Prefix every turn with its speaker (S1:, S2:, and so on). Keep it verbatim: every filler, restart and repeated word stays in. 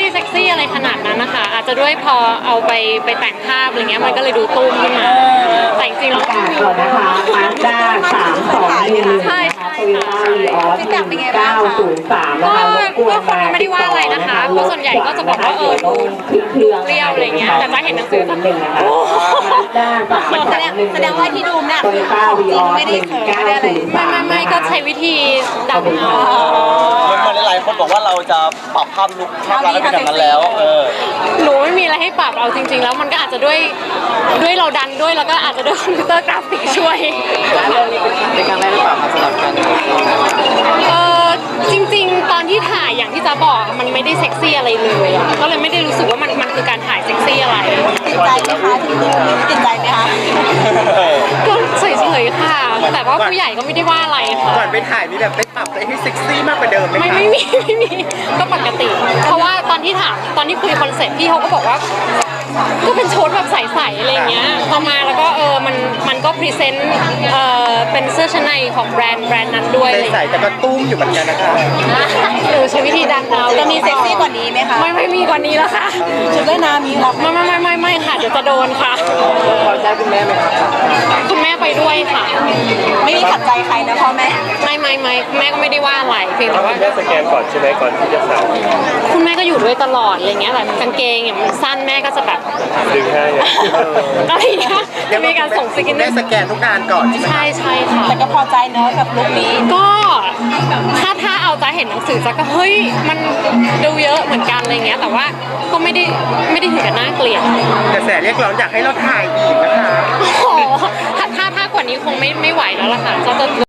S1: ได้เซ็กซี่อะไรขนาดนั้นนะคะอาจจะด้วยพอเอาไปไปแต่งภาพอะไรเงี้ยมันก็เลยดูตุ้มขึ้นมาแต่จริงๆแล้ว
S2: ก่อนนะคะมาสด้าสามสองหนึ่งนะคะโตโยต้าวีออสหนึ่งเก้าศูนย์สามนะคะรบกวนมาติดต่อนะคะรถขวางนะคะเดี๋ยวต้องขึ้นเครื่อง
S1: เรียวอะไรเงี้ยแต่จะเห็นหนังสือ
S2: นิดนึงนะคะมาสด้าสามสองหนึ่ง
S3: แสดงว่าที่ดูเนี่ย
S2: โตโยต้าวีออสหนึ่งเก้าศูนย์
S1: ไม่
S2: สาม
S1: ไม่ไม่ก็ใช้วิธีดำเอา
S4: เหมือนหลายๆคนบอกว่าเราจะปรับภาพลุกภาพลักษณ์ให้เป็นแบบนั้นแล้วเออ
S1: หนูไม่มีอะไรให้ปรับเอาจริง ๆ แล้วมันก็อาจจะด้วยด้วยเราดันด้วยแล้วก็อาจจะด้วยคอมพิวเตอร์กราฟิกช่วย
S4: เป็นครั้งแรกหรือเปล่าครับสำหรับการ
S1: เออจริงๆ ตอนที่ถ่ายอย่างที่จะบอกมันไม่ได้เซ็กซี่อะไรเลยอะก็เลยไม่ได้รู้สึกว่ามันมันคือการถ่ายเซ็กซี่อะไร
S3: ติดใจไหมคะถึงตรงนี้ติดใจไหมคะ
S1: ก็เฉยๆค่ะ แต่ว่าผู้ใหญ่ก็ไม่ได้ว่าอะไรค่ะ
S4: ก่อนไปถ่ายมีแบบไปปรับอะไรให้เซ็กซี่มากกว่าเดิมไหม
S1: ไม่
S4: คะ
S1: ไม่มีไม่มีก็ปกติ เพราะว่าตอนที่ถามตอนที่คุยคอนเซ็ปต์พี่เขาก็บอกว่า ก็เป็นชุดแบบใสๆอะไรเงี้ยพอมาแล้วก็เออมันมันก็พรีเซนต์เออเป็นเสื้อชั้นในของแบรนด์แบรนด์นั้นด้วย
S4: ใส่แต่ก็ตุ้มอยู่เหมือนกันนะคะ
S1: หรือใช้วิธีดันเอา
S3: จะมีเซ็กซี่กว่านี้ไหมคะ
S1: ไม่ไม่มีกว่านี้แล้วค่ะ
S3: ชุดว่ายน้ำมีรับ
S1: ไม่ไม่ไม่ไม่ไม่ค่ะเดี๋ยวจะโดนค่ะ
S4: พอใจคุณแม่ไหมครับ
S1: คุณแม่ไปด้วยค่ะ
S3: ไม่มีขัดใจใครนะพ่อแม่
S1: ไม่ไม่ไม่แม่ก็ไม่ได้ว่าอะไรเพียงแต่ว่า
S5: แม่สแกนก่อนใช่ไหมก่อนที่จะใส่
S1: คุณแม่ก็อยู่ด้วยตลอดอะไรเงี้ยแบบกางเกงอย่างมันสั้นแม่ก็จะแบบ
S5: ดึงให้อะ
S1: อะไรเงี้ยจะมีการส่งสกิน
S4: แม่สแกนทุกงานก่อนใช่ไหม
S1: ใช่ใช่ค่ะ
S3: แต่ก็พอใจเนอะกับลุคนี้
S1: ก็ถ้าถ้าเอาจะเห็นหนังสือจะก็เฮ้ยมันดูเยอะเหมือนกันอะไรเงี้ยแต่ว่าก็ไม่ได้ไม่ได้ถึงกับน่าเกลียด
S4: กระแสเรียกร้องอยากให้เราถ่ายอีกนะคะ
S1: โอ้โหถ้าถ้าถ้ากว่านี้คงไม่ไม่ไหวแล้วล่ะค่ะจะจะ